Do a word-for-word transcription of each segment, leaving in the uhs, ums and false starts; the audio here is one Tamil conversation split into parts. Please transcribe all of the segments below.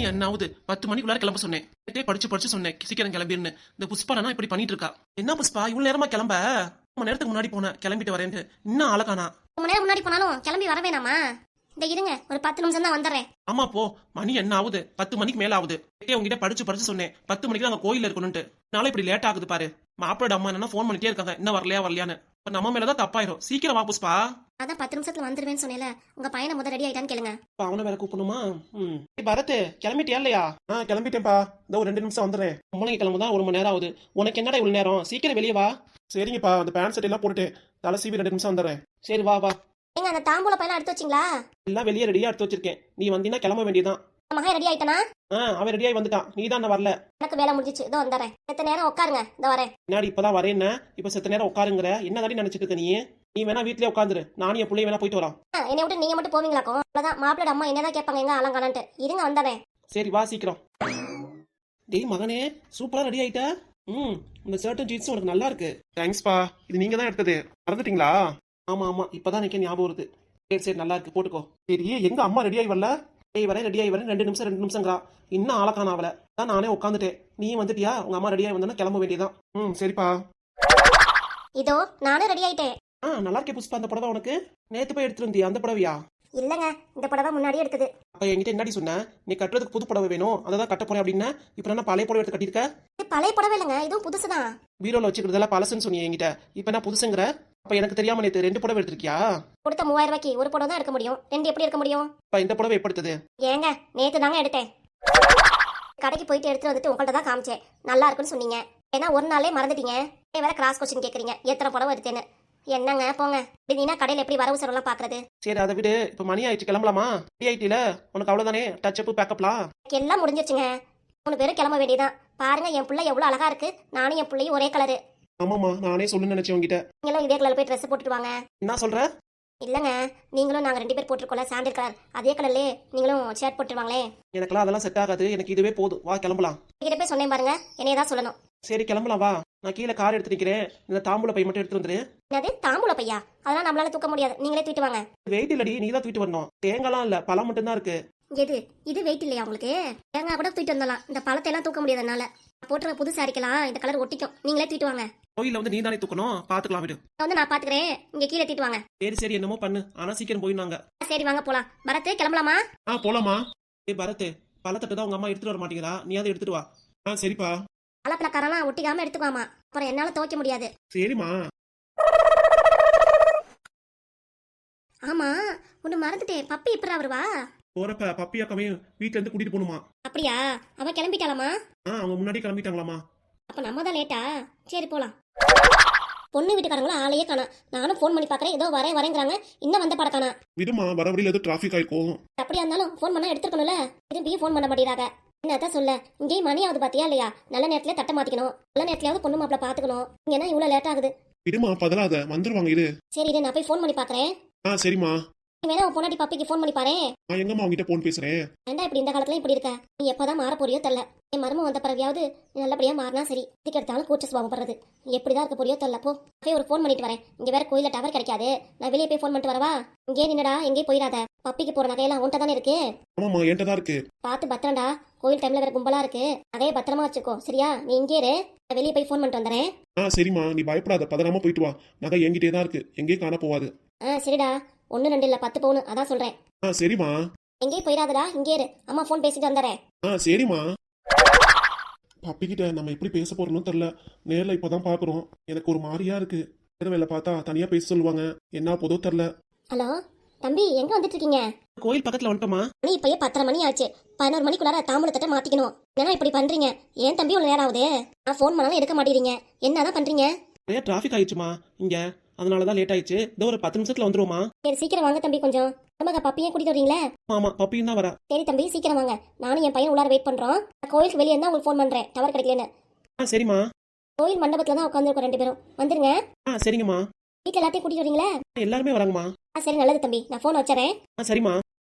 என்ன ஆகுது? பத்து மணிக்குள்ளார கிளம்ப சொன்னேன். நேத்தே படிச்சு படிச்சு சொன்னேன் சீக்கிரம் கிளம்பிருன்னு. இந்த புஷ்பானா இப்படி பண்ணிட்டு இருக்கா. என்ன புஷ்பா இவ்வளவு நேரமா கிளம்ப? ரொம்ப நேரத்துக்கு முன்னாடி போனேன் கிளம்பிட்டு வரேன்னு. இன்னும் ஆளக்கானா. ரொம்ப நேரம் முன்னாடி போனாலும் கிளம்பி வர வேணாமா? இந்த இருங்க ஒரு பத்து நிமிஷம் தான் வந்துடுறேன். ஆமா போ, மணி என்ன ஆகுது? பத்து மணிக்கு மேல ஆகுது. நேத்தே உங்ககிட்ட படிச்சு படிச்சு சொன்னேன் பத்து மணிக்கு தான் அங்க கோயில்ல இருக்கணும்ட்டு. நாளை இப்படி லேட் ஆகுது பாரு. மாப்பிளோட அம்மா என்ன போன் பண்ணிட்டே இருக்காங்க, என்ன வரலையா வரலையான்னு. இப்ப நம்ம மேலதான் தப்பாயிரும். சீக்கிரம் வா புஷ்பா. அதான் பத்து நிமிஷத்துல வந்துருவேன்னு சொன்னேல. உங்க பையனை முதல் ரெடி ஆயிட்டான்னு கேளுங்க. இப்ப அவனை வேற கூப்பிடணுமா? ம் பரத் கிளம்பிட்டியா இல்லையா? ஆ கிளம்பிட்டேன்ப்பா, இந்த ஒரு ரெண்டு நிமிஷம் வந்துடுறேன். பொம்பளைங்க கிளம்புதான் ஒரு மணி நேரம் ஆகுது. உனக்கு என்னடா இவ்வளவு நேரம்? சீக்கிரம் வெளியே வா. சரிங்கப்பா, அந்த பேண்ட் செட் எல்லாம் போட்டுட்டு தலை சீவி ரெண்டு நிமிஷம் வந்துடுறேன். சரி வா வா. எங்க அந்த தாம்பூல பையனா எடுத்து வச்சிங்களா? எல்லாம் வெளியே ரெடியா எடுத்து வச்சிருக்கேன். நீ வந்தீங்கன்னா கிளம்ப வேண்டியதான். மகன் ரெடி ஆயிட்டானா? ஆ அவன் ரெடியாகி வந்துட்டான். நீ தான் வரல. எனக்கு வேலை முடிஞ்சிச்சு, இதோ வந்துறேன். செத்த நேரம் உட்காருங்க, இதோ வரேன். முன்னாடி இப்பதான் வரேன்னா இப்ப செத்த நேரம் உட்காருங்கிற. என்ன தாண்டி நினைச்சிட்டு இருக்க நீ? நீ வேணா வீட்லயே உட்காந்துரு, நானும் என் பிள்ளைய வேணா போயிட்டு வரோம். என்னை விட்டு நீங்க மட்டும் போவீங்களாக்கும்? அவ்வளவுதான். மாப்பிளோட அம்மா என்னதான் கேட்பாங்க எங்க அலங்கானன்ட்டு. இருங்க வந்துறேன். சரி வா சீக்கிரம். டேய் மகனே, சூப்பரா ரெடி ஆயிட்ட. ம் இந்த ஷர்ட்டும் ஜீன்ஸும் உனக்கு நல்லா இருக்கு. தேங்க்ஸ்பா. இது நீங்க தான் எடுத்தது, மறந்துட்டீங்களா? ஆமா ஆமா, இப்பதான் எனக்கு ஞாபகம் வருது. சரி சரி நல்லா இருக்கு, போட்டுக்கோ. சரி எங்க அம்மா ரெடி ஆகி வரல? டேய் வரேன் ரெடி ஆகி வரேன். ரெண்டு நிமிஷம் ரெண்டு நிமிஷங்கிறா. இன்னும் ஆளக்கான அவளை தான். நானே உட்காந்துட்டேன். நீ வந்துட்டியா? உங்க அம்மா ரெடி ஆகி வந்தா கிளம்ப வேண்டியதான். ம் சரிப்பா. இதோ நானும் ரெடி ஆயிட்டேன். ஆ நல்லா இருக்கே புஷ்பா. அந்த புடவை உனக்கு நேத்து போய் எடுத்துட்டு வந்தியா? அந்த புடவையா? இல்லங்க, இந்த புடவை முன்னாடியே எடுத்தது. அப்ப என்கிட்ட என்னடி சொன்ன? நீ கட்டுறதுக்கு புது புடவை வேணும், அதை தான் கட்ட போறேன் அப்படின்னா இப்ப என்ன பழைய புடவை எடுத்து கட்டிருக்க? இது பழைய புடவை இல்லைங்க, இதுவும் புதுசுதான். பீரோல வச்சுக்கிறதெல்லாம் பழசுன்னு சொன்னீங்க என்கிட்ட. இப்ப என்ன புதுசுங்கிற? அப்ப எனக்கு தெரியாம நேத்து ரெண்டு புடவை எடுத்திருக்கியா? கொடுத்த மூவாயிரம் ரூபாய்க்கு ஒரு புடவை தான் எடுக்க முடியும், ரெண்டு எப்படி எடுக்க முடியும்? இப்ப இந்த புடவை எப்படி எடுத்தது? ஏங்க நேத்து தாங்க எடுத்தேன். கடைக்கு போயிட்டு எடுத்துட்டு வந்துட்டு உங்கள்ட்ட தான் காமிச்சேன். நல்லா இருக்குன்னு சொன்னீங்க. ஏன்னா ஒரு நாளே மறந்துட்டீங்க. வேற கிராஸ் கொஸ்டின் கேக்குறீங்க, எத்தனை புடவை எடுத்தேன்னு. என்னங்க போங்க. இப்படின்னா கடையில எப்படி வரவு செலவுலாம் பாக்குறது? சரி அதை விடு. இப்ப மணி ஆயிடுச்சு, கிளம்பலாமா? ரெடி ஆயிட்டில? உனக்கு அவ்வளவுதானே, டச் அப் பேக்கப்லாம் எல்லாம் முடிஞ்சிருச்சுங்க. மூணு பேரும் கிளம்ப வேண்டியதான். பாருங்க என் பிள்ளை எவ்வளவு அழகா இருக்கு. நானும் என் பிள்ளையும் ஒரே கலரு. ஆமாமா, நானே சொல்லணும்னு நினைச்சேன் உங்ககிட்ட. நீங்களும் இதே கலர்ல போய் ட்ரெஸ் போட்டுட்டு வாங்க. என்ன சொல்ற? இல்லங்க, நீங்களும் நாங்க ரெண்டு பேர் போட்டுருக்கோம்ல சாண்டில் கலர், அதே கலர்லயே நீங்களும் ஷர்ட் போட்டுருவாங்களே. எனக்குலாம் அதெல்லாம் செட் ஆகாது. எனக்கு இதுவே போதும். வா கிளம்பலாம். கிட்ட போய் சொன்னேன் பாருங்க, என்னைய தான் சொல்லணும். சரி கிளம்பலாம் வா. நான் கீழே கார் எடுத்து நிக்கிறேன். இந்த தாம்பூல பை மட்டும் எடுத்து வந்துரு. என்னது தாம்பூல பையா? அதெல்லாம் நம்மளால தூக்க முடியாது, நீங்களே தூக்கிட்டு வாங்க. வெயிட் இல்லடி, நீ தான் தூக்கிட்டு வரணும். தேங்காய்லாம் இல்ல, பழம் மட்டும் தான் இருக்கு. எது இது வெயிட் இல்லையா உங்களுக்கு? தேங்காய் கூட தூக்கிட்டு வந்தலாம், இந்த பழத்தை எல்லாம் தூக்க முடியாது என்னால. போட்டுற புது சாரிக்கலாம் இந்த கலர் ஒட்டிக்கும், நீங்களே தூக்கிட்டு வாங்க. கோயில வந்து நீ தானே தூக்கணும், பாத்துக்கலாம் விடு. வந்து நான் பாத்துக்கிறேன், இங்க கீழே தூக்கிட்டு வாங்க. சரி சரி என்னமோ பண்ணு, ஆனா சீக்கிரம் போயிடுவாங்க. சரி வாங்க போலாம். பரத் கிளம்பலாமா? ஆ போலாமா. ஏ பரத், பழத்தட்டு தான் உங்க அம்மா எடுத்துட்டு வர மாட்டேங்கிறா, நீ அதை எடுத்துட்டு வா. ஆ சரிப்பா. பழப்பழக்காரெல்லாம் ஒட்டிக்காம எடுத்துக்காமா, அப்புறம் என்னால துவைக்க முடியாது. சரிம்மா. ஆமா ஒண்ணு மறந்துட்டேன், பப்பி இப்ப வருவா? போறப்ப பப்பியா கமையும் வீட்டுல இருந்து கூட்டிட்டு போகணுமா? அப்படியா? அவ கிளம்பிட்டாலாமா? ஆ அவங்க முன்னாடி கிளம்பிட்டாங்களாமா. அப்ப நம்ம தான் லேட்டா? சரி போலாம். பொண்ணு வீட்டுக்காரங்களும் ஆளையே காணா. நானும் போன் பண்ணி பாக்குறேன், ஏதோ வரேன் வரேங்கிறாங்க, இன்னும் வந்த படக்கானா. விடுமா, வர வழியில ஏதோ டிராபிக் ஆயிருக்கும். அப்படியா இருந்தாலும் போன் பண்ணா எடுத்துக்கணும்ல. திரும்பியும் போன் பண்ண மாட்டேறாங்க. என்னதான் சொல்ல, இங்கேயும் மணி ஆகுது பாத்தியா இல்லையா? நல்ல நேரத்துல தட்ட மாத்திக்கணும், நல்ல நேரத்துலயாவது பொண்ணு மாப்பிள்ள பாத்துக்கணும். இங்க என்ன இவ்வளவு லேட் ஆகுது? விடுமா, பதறாத, வந்துருவாங்க இரு. சரி இரு, நான் போய் போன் பண்ணி பாக்குறேன். ஆ சரிம்மா. நீ வேணா உன் பொண்டாட்டி பப்பிக்கு போன் பண்ணி பாரு. நான் எங்கம்மா உங்ககிட்ட போன் பேசுறேன். ஏண்டா இப்படி இந்த காலத்துல இப்படி இருக்க? நீ எப்பதான் மாற போறியோ தெரியல. என் மருமம் வந்த பிறவியாவது நீ நல்லபடியா மாறினா சரி. இதுக்கு எடுத்தாலும் கூச்ச சுபாவம் படுறது. நீ எப்படிதான் இருக்க போறியோ தெரியல. போ போய் ஒரு போன் பண்ணிட்டு வரேன். இங்க வேற கோயில டவர் கிடைக்காது, நான் வெளியே போய் போன் பண்ணிட்டு வரவா? இங்கே நின்னடா, எங்கே போயிடாத. பப்பிக்கு போற நகையெல்லாம் உன்ட்ட தானே இருக்கு. ஆமாமா என்கிட்ட தான் இருக்கு. பார்த்து பத்திரம்டா, கோயில் டைம்ல வேற கும்பலா இருக்கு. நகையை பத்திரமா வச்சுக்கோ சரியா? நீ இங்கே இரு, நான் வெளியே போய் போன் பண்ணிட்டு வந்துறேன். ஆ சரிம்மா, நீ பயப்படாத, பதறாம போயிட்டு வா. நகை என்கிட்டே தான் இருக்கு, எங்கேயும் காண போவாது. ஆ சரிடா, ஒன்னு ரெண்டு இல்ல பத்து பவுன், அதான் சொல்றேன். ஆ சரிம்மா. எங்கேயும் போயிடாதடா, இங்கே இரு, அம்மா போன் பேசிட்டு வந்துறேன். ஆ சரிம்மா. பப்பிக்கிட்ட நம்ம எப்படி பேச போறோம்னு தெரியல. நேர்ல இப்பதான் பாக்குறோம், எனக்கு ஒரு மாதிரியா இருக்கு. வேலை பார்த்தா தனியா பேச சொல்லுவாங்க, என்ன போதோ தெரியல. ஹலோ தம்பி, எங்க வந்துட்டு இருக்கீங்க? கோயில் பக்கத்துல வந்துட்டோமா. நீ இப்பயே பத்தரை மணி ஆச்சு, பதினோரு மணிக்குள்ளார தாம்பூலத்தட்ட மாத்திக்கணும். என்ன இப்படி பண்றீங்க? ஏன் தம்பி ஒரு நேரம் ஆகுது, நான் போன் பண்ணாலும் எடுக்க மாட்டேறீங்க, என்னதான் பண்றீங்க? நிறைய டிராபிக் ஆயிடுச்சுமா இங்க, அதனாலதான் லேட் ஆயிடுச்சு. இதோ ஒரு பத்து நிமிஷத்துல வந்துருவோமா. சரி சீக்கிரம் வாங்க தம்பி, கொஞ்சம் நமக்கு பப்பியே கூட்டிட்டு வரீங்களே. ஆமா பப்பியும் தான் வரா. சரி தம்பி சீக்கிரம் வாங்க, நானும் என் பையன் உள்ளார வெயிட் பண்றோம். நான் கோயிலுக்கு வெளியே இருந்தா உங்களுக்கு போன் பண்றேன், டவர் கிடைக்கலன்னு. ஆ சரிம்மா. கோயில் மண்டபத்துல தான் உட்காந்துருக்கோம் ரெண்டு பேரும், வந்துருங்க. ஆ சரிங்கம்மா. வீட்டுல எல்லாத்தையும் கூட்டிட்டு வரீங்களா? எல்லாருமே வராங்கம்மா. ஆ சரி நல்லது தம்பி, நான் போன் வச்சுறேன். ஆ சரிம்மா.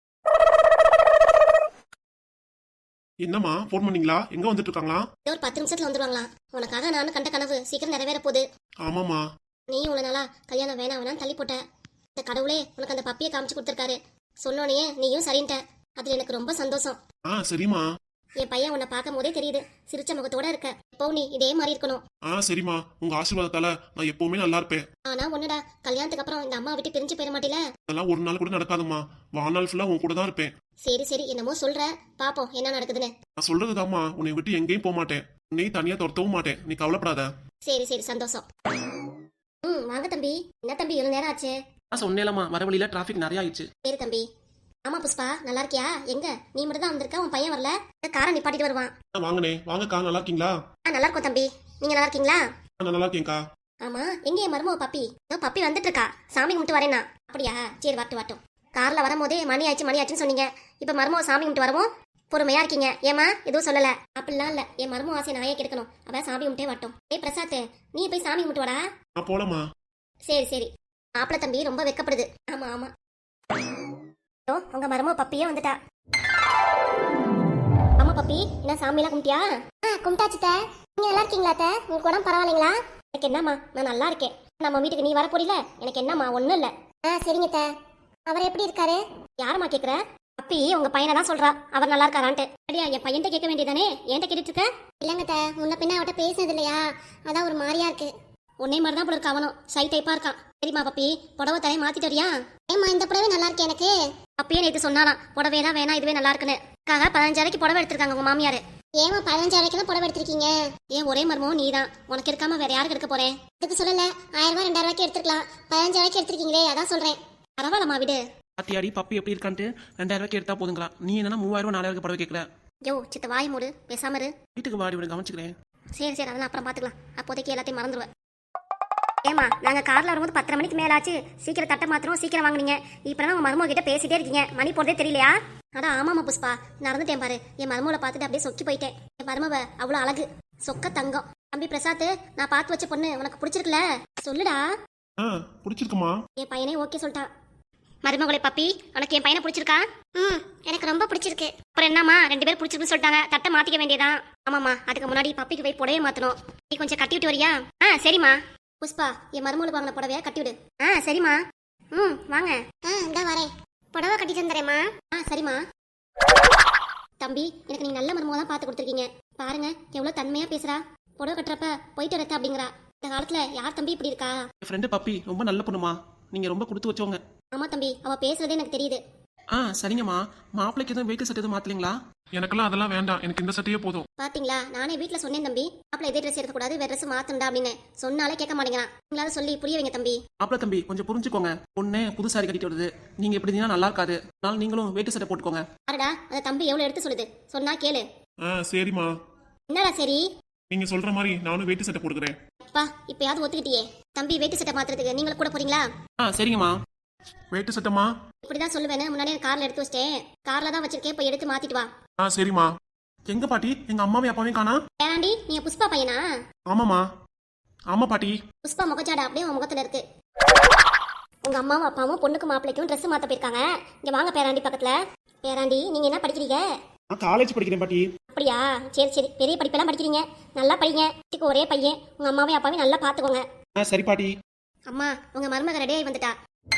என்னம்மா போன் பண்ணீங்களா? எங்க வந்துட்டு இருக்காங்களா? ஒரு பத்து நிமிஷத்துல வந்துருவாங்களா? உனக்காக நானும் கண்ட கனவு சீக்கிரம் நிறைவேற போகுது. ஆமாமா. நீ இவ்வளவு நாளா கல்யாணம் வேணாம் வேணாம் தள்ளி போட்ட. இந்த கடவுளே உனக்கு அந்த பப்பியை காமிச்சு கொடுத்துருக்காரு. சொன்னோனையே நீயும் சரின்ட்ட. அதுல எனக்கு ரொம்ப சந்தோஷம். ஆ சரிம்மா. என் பையன் உன்னை பார்க்கும் போதே தெரியுது, சிரிச்ச முகத்தோட இருக்க. இப்போ நீ இதே மாதிரி இருக்கணும். ஆ சரிம்மா, உங்க ஆசீர்வாதத்தால நான் எப்பவுமே நல்லா இருப்பேன். ஆனா ஒண்ணுடா, கல்யாணத்துக்கு அப்புறம் இந்த அம்மா விட்டு பிரிஞ்சு போயிட மாட்டேல? அதெல்லாம் ஒரு நாள் கூட நடக்காதும்மா. வாழ்நாள் ஃபுல்லா உன் கூட தான் இருப்பேன். சரி சரி, என்னமோ சொல்ற, பாப்போம் என்ன நடக்குதுன்னு. நான் சொல்றதுதாம்மா, உன்னை விட்டு எங்கேயும் போக மாட்டேன். உன்னை தனியா துரத்தவும் மாட்டேன். நீ கவலைப்படாத. சரி சரி, சந்தோஷம். ம் வாங்க தம்பி. என்ன தம்பி இவ்வளவு நேரம் ஆச்சு? நான் சொன்னேலம்மா, வர வழியில டிராஃபிக் நிறைய ஆயிடுச்சு. சரி தம்பி. ஆமா புஷ்பா, நல்லா இருக்கியா? எங்க நீ மட்டும் தான் வந்திருக்க, உன் பையன் வரல? காரை நிப்பாட்டிட்டு வருவான். வாங்கனே, வாங்கக்கா. நல்லா இருக்கீங்களா? ஆ நல்லா இருக்கும் தம்பி. நீங்க நல்லா இருக்கீங்களா? நான் நல்லா இருக்கேன்க்கா. ஆமா, எங்க என் மருமக பப்பி? இதோ பப்பி வந்துட்டு இருக்கா. சாமி கும்பிட்டு வரேனா? அப்படியா? சரி வரட்டும் வரட்டும். கார்ல வரும்போதே மணி ஆச்சு மணி ஆச்சுன்னு சொன்னீங்க. இப்ப மருமக சாமி கும்பிட்டு வரவும் பொறுமையா இருக்கீங்க. ஏமா எதுவும் சொல்லல? அப்படிலாம் இல்ல, என் மருமக ஆசை நாயே கெடுக்கணும். அவ சாமி கும்பிட்டே வரட்டும். ஏய் பிரசாத், நீ போய் சாமி கும்பிட்டு வாடா. நான் போலமா. சரி சரி. மாப்பிள தம்பி ரொம்ப வெக்கப்படுது. ஆமா ஆமா. ஓ, உங்க மருமக பப்பியே வந்துட்டா. ஆமா பப்பி, என்ன சாமியெல்லாம் கும்பிட்டியா? ஆ கும்பிட்டாச்சு தே. நீங்க நல்லா இருக்கீங்களா தே? உங்களுக்கு உடம்பு பரவாயில்லைங்களா? எனக்கு என்னம்மா, நான் நல்லா இருக்கேன். நம்ம வீட்டுக்கு நீ வர போறீல? எனக்கு என்னம்மா, ஒண்ணும் இல்ல. ஆ சரிங்க தே. அவர் எப்படி இருக்காரு? யாரம்மா கேக்குற? பப்பி உங்க பையனை தான் சொல்றா, அவர் நல்லா இருக்காரான்ட்டு. அடியா, என் பையன்கிட்ட கேட்க வேண்டியதானே, ஏன்ட்ட கேட்டுட்டு இருக்க? இல்லங்க தே, முன்ன பின்ன அவட்ட பேசுனது இல்லையா, அதான் ஒரு மாதிரியா இருக்கு. உன்னே மாதிரி தான் போல இருக்க அவனும், சை டைப்பா இருக்கான். சரிம்மா பப்பி, புடவை தலையை மாத்திட்டு வரியா? ஏம்மா இந்த புடவை நல்லா இருக்கு எனக்கு. அப்பயே நேற்று சொன்னாலாம் புடவை தான் வேணா, இதுவே நல்லா இருக்குன்னு. காக பதினஞ்சாயிரக்கு புடவை எடுத்திருக்காங்க உங்க மாமியாரு. ஏமா பதினஞ்சாயிரக்கு தான் புடவை எடுத்திருக்கீங்க? ஏன் ஒரே மர்மம் நீ தான், உனக்கு இருக்காம வேற யாருக்கு எடுக்க போறேன்? இதுக்கு சொல்லல, ஆயிரம் ரூபாய் ரெண்டாயிரம் ரூபாய்க்கு எடுத்துக்கலாம். பதினஞ்சாயிரக்கு எடுத்திருக்கீங்களே, அதான் சொல்றேன். பரவாயில்லம்மா விடு. அத்தியாடி பப்பி எப்படி இருக்கான்ட்டு ரெண்டாயிரம் ரூபாய்க்கு எடுத்தா போதுங்களா? நீ என்னன்னா மூவாயிரம் ரூபாய் நாலாயிரம் படவை கேட்கல. யோ சித்த வாய் மூடு, பேசாம இரு. வீட்டுக்கு வாடி விட, கவனிச்சுக்கிறேன். சரி சரி, அதெல்லாம் அப்புறம் பாத்துக்கலாம். அப்போதைக்கு எல்லாத்தையும் மறந்துடுவேன். ஏமா, நாங்க கார்ல வரும்போது பத்தரை மணிக்கு மேலாச்சு, சீக்கிரம் தட்டை மாத்திரம் சீக்கிரம் வாங்குனீங்க. இப்பதான் உங்க மருமக கிட்ட பேசிட்டே இருக்கீங்க, மணி போறதே தெரியலையா? அட ஆமாமா புஷ்பா, நடந்துட்டேன் பாரு. என் மருமகளை பார்த்துட்டு அப்படியே சொக்கி போயிட்டேன். என் மருமவ அவ்வளவு அழகு, சொக்க தங்கம். தம்பி பிரசாத், நான் பார்த்து வச்ச பொண்ணு உனக்கு பிடிச்சிருக்குல? சொல்லுடா. பிடிச்சிருக்குமா? என் பையனே ஓகே சொல்லிட்டான். மருமகளை பப்பி, உனக்கு என் பையனை பிடிச்சிருக்கா? ம் எனக்கு ரொம்ப பிடிச்சிருக்கு. அப்புறம் என்னம்மா, ரெண்டு பேரும் பிடிச்சிருக்குன்னு சொல்லிட்டாங்க, தட்டை மாத்திக்க வேண்டியதான். ஆமாம்மா, அதுக்கு முன்னாடி பப்பிக்கு போய் புடவைய மாத்தணும். நீ கொஞ்சம் கட்டி விட்டு வரியா? ஆ சரிம்மா. புஷ்பா, என் மருமகளுக்கு வாங்கின புடவையா கட்டி விடு. ஆ சரிம்மா. ம் வாங்க. ஆ இந்த வரேன். புடவை கட்டி தந்துறேம்மா. ஆ சரிம்மா. தம்பி, எனக்கு நீங்க நல்ல மருமக தான் பார்த்து கொடுத்துருக்கீங்க. பாருங்க எவ்வளவு தன்மையா பேசுறா. புடவை கட்டுறப்ப போயிட்டு வரத்த அப்படிங்கிறா. இந்த காலத்துல யார் தம்பி இப்படி இருக்கா? என் ஃப்ரெண்டு பப்பி ரொம்ப நல்ல பொண்ணுமா. நீங்க ரொம்ப கொடுத்து வச்சவங்க. ஆமா தம்பி, அவ பேசுறதே எனக்கு தெரியுது. ஆ சரிங்கம்மா. மாப்பிளைக்கு எதுவும் வெயிட் சட்டை எதுவும் மாத்தலீங்களா? எனக்கெல்லாம் அதெல்லாம் வேண்டாம், எனக்கு இந்த சட்டையே போதும். பாத்தீங்களா, நானே வீட்டுல சொன்னேன் தம்பி, மாப்பிள இதே ட்ரெஸ் எடுக்கக்கூடாது, வேற ட்ரெஸ் மாத்தண்டா அப்படின்னு. சொன்னாலே கேட்க மாட்டேங்கிறான். நீங்களாவது சொல்லி புரிய வைங்க தம்பி. மாப்பிள தம்பி கொஞ்சம் புரிஞ்சுக்கோங்க. பொண்ணே புது சாரி கட்டிட்டு வருது, நீங்க எப்படி இருந்தீங்கன்னா நல்லா இருக்காது. அதனால நீங்களும் வெயிட் சட்டை போட்டுக்கோங்க. பாருடா, அந்த தம்பி எவ்வளவு எடுத்து சொல்லுது, சொன்னா கேளு. ஆ சரிம்மா. என்னடா சரி? நீங்க சொல்ற மாதிரி நானும் வெயிட் சட்டை போட்டுக்கிறேன். அப்பா, இப்பயாவது ஒத்துக்கிட்டியே. தம்பி வெயிட் சட்டை மாத்துறதுக்கு நீங்களும் கூட போறீங்களா? ஆ சரிங்கம்மா. வெயிட் சட்டமா? இப்படிதான் சொல்லுவேன்னு முன்னாடியே கார்ல எடுத்து வச்சிட்டேன். கார்ல தான் வச்சிருக்கேன், போய் எடுத்து மாத்திட்டு வா. ஆ சரிம்மா. எங்க பாட்டி, எங்க அம்மாவையும் அப்பாவையும் காணா? ஏண்டி, நீங்க புஷ்பா பையனா? ஆமாமா. ஆமா பாட்டி. புஷ்பா முகச்சாடா அப்படியே உன் முகத்துல இருக்கு. உங்க அம்மாவும் அப்பாவும் பொண்ணுக்கு மாப்பிளைக்கும் ட்ரெஸ் மாத்த போயிருக்காங்க. இங்க வாங்க பேராண்டி பக்கத்துல. பேராண்டி, நீங்க என்ன படிக்கிறீங்க? நான் காலேஜ் படிக்கிறேன் பாட்டி. அப்படியா? சரி சரி, பெரிய படிப்பெல்லாம் படிக்கிறீங்க, நல்லா படிங்க. வீட்டுக்கு ஒரே பையன், உங்க அம்மாவையும் அப்பாவையும் நல்லா பாத்துக்கோங்க. ஆ சரி பாட்டி. அம்மா, உங்க மருமக ரெடியாகி வந்துட்டா.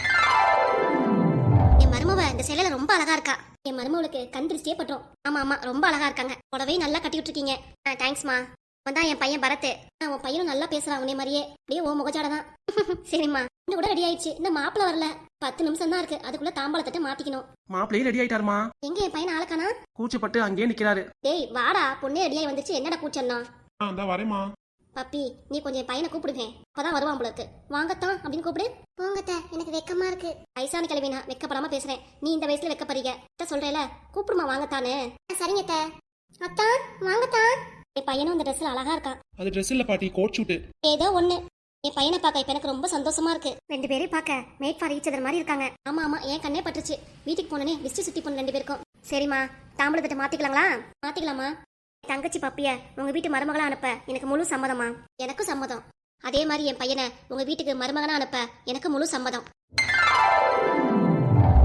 என் மருமவ இந்த சேலையில ரொம்ப அழகா இருக்கா. என் மருமவளுக்கு கண் திருஷ்டியே பட்டோம். ஆமா ஆமா, ரொம்ப அழகா இருக்காங்க. புடவையும் நல்லா கட்டி விட்டுருக்கீங்க. ஆ தேங்க்ஸ்மா. வந்தா என் பையன் பரத். உன் பையனும் நல்லா பேசுறான் உன்னை மாதிரியே, அப்படியே ஓ முகஜாடதான். சரிம்மா. இன்னும் கூட ரெடி ஆயிடுச்சு, இந்த மாப்பிள்ள வரல. பத்து நிமிஷம் தான் இருக்கு, அதுக்குள்ள தாம்பாளத்தட்ட மாத்திக்கணும். மாப்பிள்ளையே ரெடி ஆயிட்டாருமா. எங்க என் பையன் ஆளக்கானா? கூச்சப்பட்டு அங்கேயே நிக்கிறாரு. டேய் வாடா, பொண்ணே ரெடியாகி வந்துச்சு, என்னடா கூச்சன்னா? அந்த வரேம்மா. பப்பி, நீ கொஞ்சம் என் பையனை கூப்பிடுவேன், அப்பதான் வருவான் போல இருக்கு. வாங்கத்தான் அப்படின்னு கூப்பிடு. போங்கத்த, எனக்கு வெக்கமா இருக்கு. வயசான கிழவினா வெக்கப்படாம பேசுறேன், நீ இந்த வயசுல வெக்கப்படுறீங்க. சொல்றேல, கூப்பிடுமா வாங்கத்தானே. சரிங்கத்த. அத்தா வாங்கத்தான். என் பையனும் இந்த ட்ரெஸ்ல அழகா இருக்கான். அது ட்ரெஸ் இல்ல பாட்டி, கோட் ஷூட். ஏதோ ஒண்ணு. என் பையனை பார்க்க இப்ப எனக்கு ரொம்ப சந்தோஷமா இருக்கு. ரெண்டு பேரையும் பார்க்க மேட் ஃபார் ஈச் அதர் மாதிரி இருக்காங்க. ஆமா ஆமா, என் கண்ணே பட்டுச்சு. வீட்டுக்கு போனனே விஸ்ட் சுத்தி போன ரெண்டு பேருக்கும். சரிம்மா, தாம்பளத்தை மாத்திக்கலாங்களா? மாத்திக்கலாமா. தங்கச்சி பப்பிய உங்க வீட்டு மருமகளா அனுப்ப எனக்கு முழு சம்மதமா? எனக்கும் சம்மதம். அதே மாதிரி என் பையனை உங்க வீட்டுக்கு மருமகனா அனுப்ப எனக்கு முழு சம்மதம்.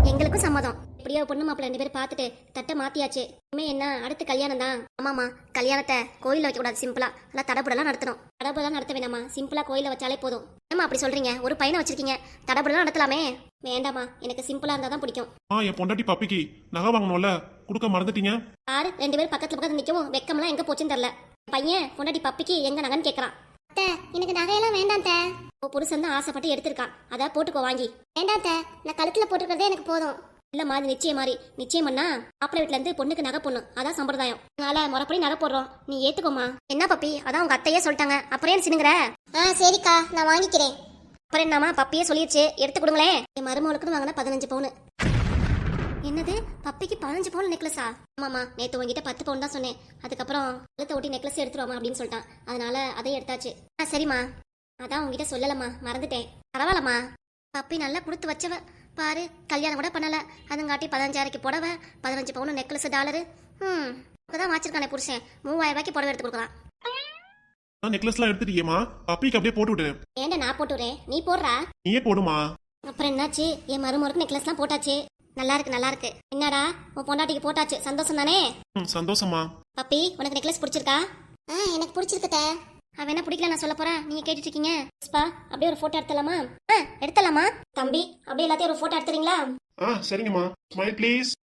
எங்களுக்கும் சம்மதம். எப்படியோ பொண்ணு மாப்பிள்ள ரெண்டு பேரும் பார்த்துட்டு தட்டை மாத்தியாச்சு. இனிமே என்ன அடுத்து கல்யாணம் தான். ஆமாமா, கல்யாணத்தை கோயில்ல வைக்க கூடாது, சிம்பிளா எல்லாம் தடபுடலாம் நடத்தணும். தடபுடலாம் நடத்த வேணாமா, சிம்பிளா கோயில்ல வச்சாலே போதும். ஏமா அப்படி சொல்றீங்க? ஒரு பையனை வச்சிருக்கீங்க, தடபுடலாம் நடத்தலாமே. வேண்டாமா, எனக்கு சிம்பிளா இருந்தா தான் பிடிக்கும். ஆ என் பொண்டாட்டி பப்பிக்கு நகை வாங்கணும்ல, கொடுக்க மறந்துட்டீங்க. ஆறு ரெண்டு பேரும் பக்கத்துல பக்கத்துல நிக்கவும் வெக்கம்லாம் எங்க போச்சுன்னு தெரியல. பையன் பொண்டாட்டி பப்பிக்கு எங்க நகைன்னு கேக்குறான். எனக்கு நகையெல்லாம் வேண்டாம் தே. உன் புருஷன் தான் ஆசைப்பட்டு எடுத்திருக்கான், அதான் போட்டுக்கோ வாங்கி. வேண்டாம் தே, நான் கழுத்துல போட்டுக்கிறதே எனக்கு போதும். இல்லம்மா, அது நிச்சயம் மாதிரி நிச்சயம் பண்ணா மாப்பிள்ளை வீட்டுல இருந்து பொண்ணுக்கு நகை பொண்ணு, அதான் சம்பிரதாயம். அதனால முறைப்படி நகை போடுறோம், நீ ஏத்துக்கோமா. என்ன பப்பி, அதான் உங்க அத்தையே சொல்லிட்டாங்க, அப்புறம் ஏன் சினுங்கிற? ஆ சரிக்கா, நான் வாங்கிக்கிறேன். அப்புறம் என்னம்மா, பப்பியே சொல்லிடுச்சு, எடுத்து கொடுங்களேன். என் மருமகளுக்குன்னு வாங்கினா பதினஞ்சு பவுனு. என்னது, பப்பிக்கு பதினஞ்சு பவுன் நெக்லஸா? ஆமாமா, நேத்து உங்ககிட்ட பத்து பவுன் தான் சொன்னேன். அதுக்கப்புறம் கழுத்தை ஒட்டி நெக்லஸ் எடுத்துருவாமா அப்படின்னு சொல்லிட்டான், அதனால அதையும் எடுத்தாச்சு. ஆ சரிம்மா, அதான் உங்ககிட்ட சொல்லலம்மா, மறந்துட்டேன். பரவாயில்லம்மா, பப்பி நல்லா கொடுத்து வச்சவ பாரு, கல்யாணம் கூட பண்ணல, அதுங்காட்டி பதினஞ்சாயிரக்கு புடவ, பதினஞ்சு பவுன் நெக்லஸ் டாலரு. ம் தான் வச்சிருக்கானே புருஷன், மூவாயிரம் ரூபாய்க்கு புடவை எடுத்து கொடுக்கலாம். நெக்லஸ்லாம் எடுத்துட்டீங்கம்மா, பப்பிக்கு அப்படியே போட்டு விடு. ஏன்டா நான் போட்டுறேன், நீ போடுறா. நீயே போடுமா. அப்புறம் என்னாச்சு, என் மருமகளுக்கு நெக்லஸ்லாம் போட்டாச்சு. நல்லா இருக்கு நல்லா இருக்கு. என்னடா உன் பொண்டாட்டிக்கு போட்டாச்சு, சந்தோஷம் தானே? ம் சந்தோஷமா. பப்பி, உனக்கு நெக்லஸ் பிடிச்சிருக்கா? ஆ எனக்கு பிடிச்சிருக்குதே. அவன் என்ன பிடிக்கல நான் சொல்ல போறேன், நீங்க கேட்டுட்டு இருக்கீங்க. புஷ்பா, அப்படியே ஒரு போட்டோ எடுத்தலாமா? ஆ எடுத்தலாமா. தம்பி, அப்படியே எல்லாத்தையும் ஒரு போட்டோ எடுத்துறீங்களா? ஆ சரிங்கம்மா. Smile please.